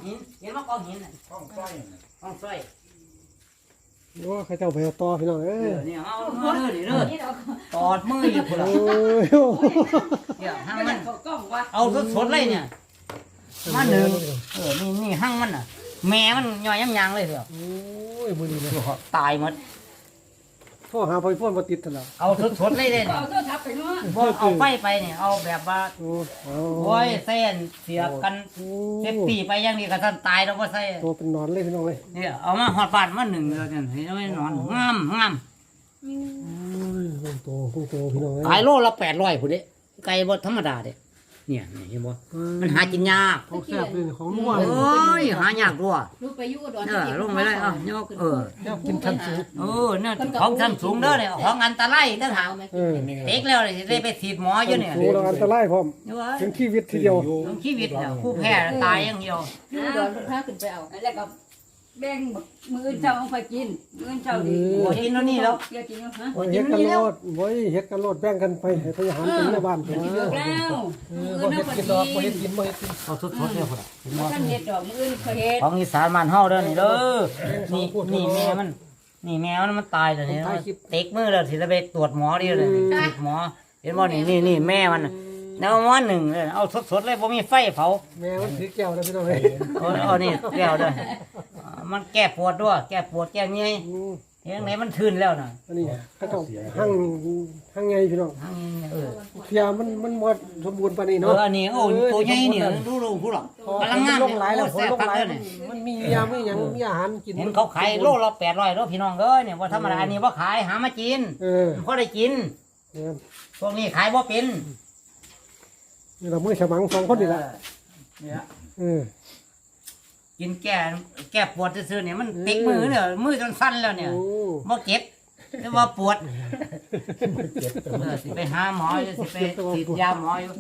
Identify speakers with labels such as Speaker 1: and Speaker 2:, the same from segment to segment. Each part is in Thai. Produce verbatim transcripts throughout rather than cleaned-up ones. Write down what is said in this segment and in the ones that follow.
Speaker 1: หินเห็นว่ากองหินน่ะกองสร้อยกองสร้อย
Speaker 2: โอ้ใครเจ้าไปต่อพี่น้องเอ้ย
Speaker 1: เนี่ยเอาเอาเด้อนี่เด้อตอดมืออยู่พุ่นล่ะเนี่ยหั่งมันเอาสดๆเลยเนี่ยมาหนึ่งเออนี่นี่หั่งมันน่ะแม่มันย่อยยังๆเลยเถอะ
Speaker 2: โอ้ยมื้อนี้เลย
Speaker 1: ตายหมด
Speaker 2: โทรหาไฟฟ้าบ่ติดซั่นล่ะ
Speaker 1: เอาสดๆเลยเด้นี่บ่เอาไฟไปเนี่ยเอาแบบว่า
Speaker 2: โอ้
Speaker 1: โอ้ยเส้นเสียบกันเซฟตี้ไปอย่างนี้ก็ท่านตายแล้วบ่ใส่
Speaker 2: ตัวเป็นนอนเลยพี่น้องเลย
Speaker 1: เนี่ยเอามาฮอดบ้านมาหนึ่งแล้วกันเห็นไหมนอนงามงาม
Speaker 2: โอ้ยคงโตคงโตพี่น้องเอ้ย
Speaker 1: ขายโลละแปดร้อยพุ่นเด้ไก่บ่ธรรมดาเด้เนี่ยเห็นบ่มันหากินยาก
Speaker 2: ของแซ่บเลยของนัว
Speaker 1: โอ้ยหายากด้วย
Speaker 3: ลูกไปอยู่อุดร
Speaker 1: เออลงไปเลยเอ้ายกเออ
Speaker 2: แซ่บกินชั้นสูง
Speaker 1: เออเนี่ยของชั้นสูงเด้อเนี่ยของอันตรายต่างหาก
Speaker 2: เออ
Speaker 1: เด็กแล้วสิได้ไปฉีดหมออยู่เนี่ย
Speaker 2: สูงแล้วอันตรายพร้อมถึงชีวิตทีเดียว
Speaker 1: ถึงชีวิตเนี่ยผู้แพ้ตายอย่างเดียว
Speaker 3: อยู่อุดรพาขึ้นไปเอาแล้วก็แบ่งมื้อเช้าเอาไปกินมื้อเช้าดี
Speaker 1: โอ้กินแล้วนี่แล้ว
Speaker 3: เกี่ยวกินฮะ
Speaker 2: เฮ็ดกันโลดโว้ยเฮ็ดกันโลดแบ่งกันไปให้พยาหารเป็นในบ้านเพิ่น
Speaker 3: เลิกแล้ว
Speaker 2: บ่เฮ็ดกินดอกบ่เฮ็ดกินบ่เฮ็ดกิน
Speaker 1: เอาสดๆเนี่ยพุ่นน่ะ
Speaker 3: ท่านเฮ็ดดอกมื้ออื่นเขาเฮ็ด
Speaker 1: ของอีสานบ้านเฮาเด้อนี่เด้อนี่นี่แม่มันนี่แมวมันตายแล้วนี่เต็กมือแล้วสิจะไปตรวจหมอดิเลยติดหมอเห็นบ่นี่นี่นี่แม่มันแล้วหมอหนึ่งเอาสดๆเลยบ่มีไฟเผา
Speaker 2: แม่มันถือแก้วนะพี่น้องเอ้ย
Speaker 1: เอาเอานี่แก้วเด้อมันแก้ปวดด้วยแก้ปวดแก้เมื่อยเห็นไหนมันทื่นแล้วน่ะ
Speaker 2: อันนี้เขาต้องหั่งหั่งไงพี่น้อง
Speaker 1: เออ
Speaker 2: เพียมันมันหมดสมบูรณ์ปานนี้
Speaker 1: เอ
Speaker 2: เนาะ
Speaker 1: ออันนี้โอ้ตัวใหญ่นี่ดูๆผู้หรอกกำลังงาม
Speaker 2: ลงหลายแล้วลงหลายมันมียามีหยังมีอาหารกิน
Speaker 1: เห็นเขาขายโลละแปดร้อยเด้อพี่น้องเอ้ยเนี่ยบ่ธรรมดาอันนี้บ่ขายหามากิน
Speaker 2: เออ
Speaker 1: พอได้กินพวกนี้ขายบ่เป็น
Speaker 2: นี่เรามื้อฉมังสองคนนี่ล่ะ
Speaker 1: เนี่ย
Speaker 2: เออ
Speaker 1: กินแก้แก้ปวดซื่อๆเนี่ยมันติดมือเนี่ยมือจนสั้นแล้วเนี่ยบ่เจ็บแต่ว่าปวดสิไปหาหมอสิไปฉีดยาหมออยู่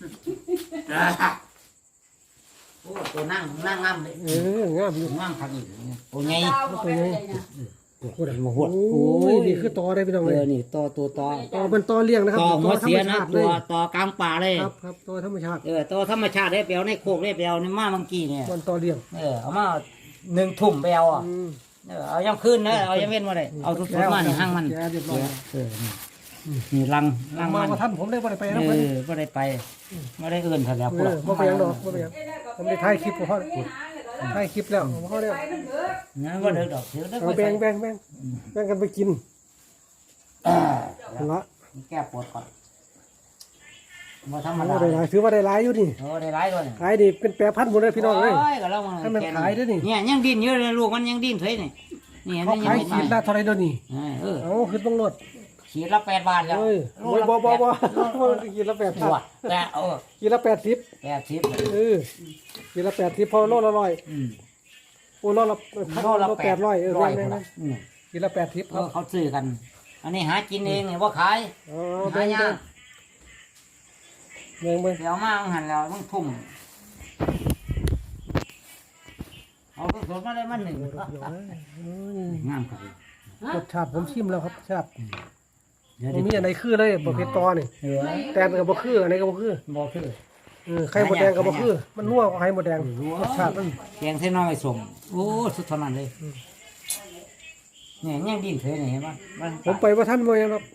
Speaker 1: โอ้ตัวนั่งนั่งงามเลย
Speaker 2: เอองามอยู่
Speaker 1: งามครับนี่ตัวใหญ่
Speaker 2: ตัวใหญ่โอ้ยมาหวดโอ้ยนี่คือตอได้พี่น้องเลย
Speaker 1: นี่ตอตัวตอ
Speaker 2: ตอเป็นตอเลี้ยงนะครับ
Speaker 1: ตอหัวเสียนะตัวตอกลางป่าเลย
Speaker 2: ครับครับตอธรรมชาติ
Speaker 1: เออตอธรรมชาติได้เปลวในโคกได้เปลวในมาเมื่อกี้เนี่ย
Speaker 2: มันตอเลี้ยง
Speaker 1: เออเอามาหนึ่งถุ่มเปลวอ่ะเออเอายังขึ้นนะเอายังเว้นมาเลยเอาทุกทุกมานี่ห้างมันเออนี่ลังลัง
Speaker 2: มันมาท่านผมได้บ่ได้ไปนะ
Speaker 1: เออบ่ได้ไปบ่ได้เอื่นเขาแล้วพวก
Speaker 2: บ่ไปยังดอกบ่ไปยังผมได้ถ่ายคลิปกับพ่อถ่ายคลิปแล้วพ่อแล้ว
Speaker 1: งั้นบ่เด้อดอกเดี๋ยวเด้อ
Speaker 2: แบ่งแบ่งแบ่งแบ่งกันไปกินละ
Speaker 1: แก้ปวดก่อนบ่ธรรมดา
Speaker 2: ได้หลายถือว่าได้หลายอยู่นี่
Speaker 1: เออได้หลายด้วย
Speaker 2: ขายดิเป็นแปรพันหมดเลยพี่น้องเอ้ย
Speaker 1: ก็แล้ว
Speaker 2: ให้มันขายด้วยนี่
Speaker 1: เนี่ยยังดิ้นอยู่เลยลูกมันยังดิ้นเฉยนี่นี่
Speaker 2: เขาขายขีดละเท่าไรเดี๋ยวนี้
Speaker 1: เออ
Speaker 2: เอาขึ้นต้องลด
Speaker 1: ขีดละแปดบาทแล้ว
Speaker 2: โอ้ยบ่บ่บ่ขีดละแปดบาท
Speaker 1: แต่เออ
Speaker 2: ขีดละแปดสิบ
Speaker 1: แปดสิบ
Speaker 2: เออขีดละแปดสิบพอโลละร้อยโอ้โลละโลละแปดร้อยเออแม่นๆขีดละแปดสิบครับ
Speaker 1: เขาซื้อกันอันนี้หากินเองเนี่ยว่าขายหายาก
Speaker 2: เบิ่งเบิ่ง
Speaker 1: เดี๋ยวมาหันแล้วต้องทุ่มเอาสดๆมาได้มันหนึ่งงามครับ
Speaker 2: รสชาติผมชิมแล้วครับชาติมีอะไรคือเลยบ่เผ็ดตอนี่แตนกับบ่คืออันนี้ก็บ่คือ
Speaker 1: บ่คือ
Speaker 2: เออไข่มดแดงกับบ่คือมันนัวกว่าไข่มดแดงรสชาติมัน
Speaker 1: แกงเส้นน้องไอ้สมโอ้สุดทนนั้นเลยเนี่ยยังดิ้นเฉยเห็นป่ะ
Speaker 2: ผมไปว่าท่านบ่ยังครับ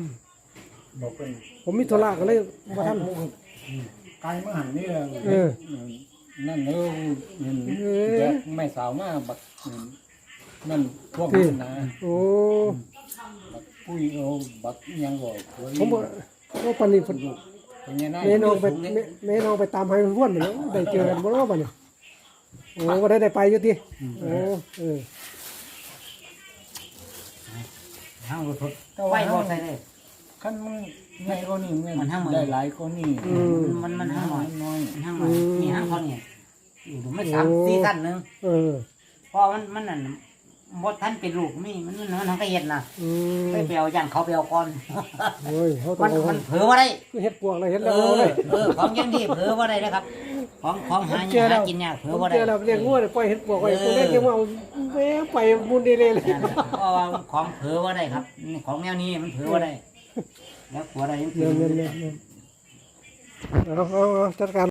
Speaker 2: ผมมีธุระก็เลยว่าท่าน
Speaker 4: ไก่มาหันนี่
Speaker 2: เออ
Speaker 4: นั่นเออแยกไม่สาวมาบักนั่นพวกนั้นนะ
Speaker 2: โอ้
Speaker 4: บักปุ้ยเอาบักยังบ่
Speaker 2: ผมบ่ว่าปานนี้เพิ่นแม่น้องไปแม่น้องไปตามให้ร่วนไปแล้วได้เจอกันบ่ว่าบัดนี้โอ้บ่ได้ได้ไปอยู่ติโอ้เออ
Speaker 1: ห้างรถไฟบ่ใส่เลย
Speaker 4: คันมันใหญ่กว่านี้มันได้หลายกว่านี้
Speaker 1: มันมันห้างน้อยน้อยห้างน้อยนี่ห้างเท่านี้อยู่ไม่สามสี่สั้นนึง
Speaker 2: เออ
Speaker 1: เพราะมันมันนั่นมดท่านเป็นลูกนี่มันมันมันก็เห็ดนะไปเปลวย่างเขาเปลวก่อน
Speaker 2: โอ้ย
Speaker 1: มันมันเผลอว่าได้
Speaker 2: คือเห็ดปวกอะไรเห็ดแล้ว
Speaker 1: เลยเออของยังดีเผลอว่าได้นะครับของของหาหากินยากเผลอว่าได้
Speaker 2: เราเรียกงูเลยปล่อยเห็ดปวกไว้ตัวเล็กยังว่าแม่ไปมุนดีเลยเลย
Speaker 1: เพราะว่าของเผลอว่าได้ครับของแนวนี้มันเผลอว่าได้แล้วหัวได้ยังเผลอ
Speaker 2: เอาเอาจัดการ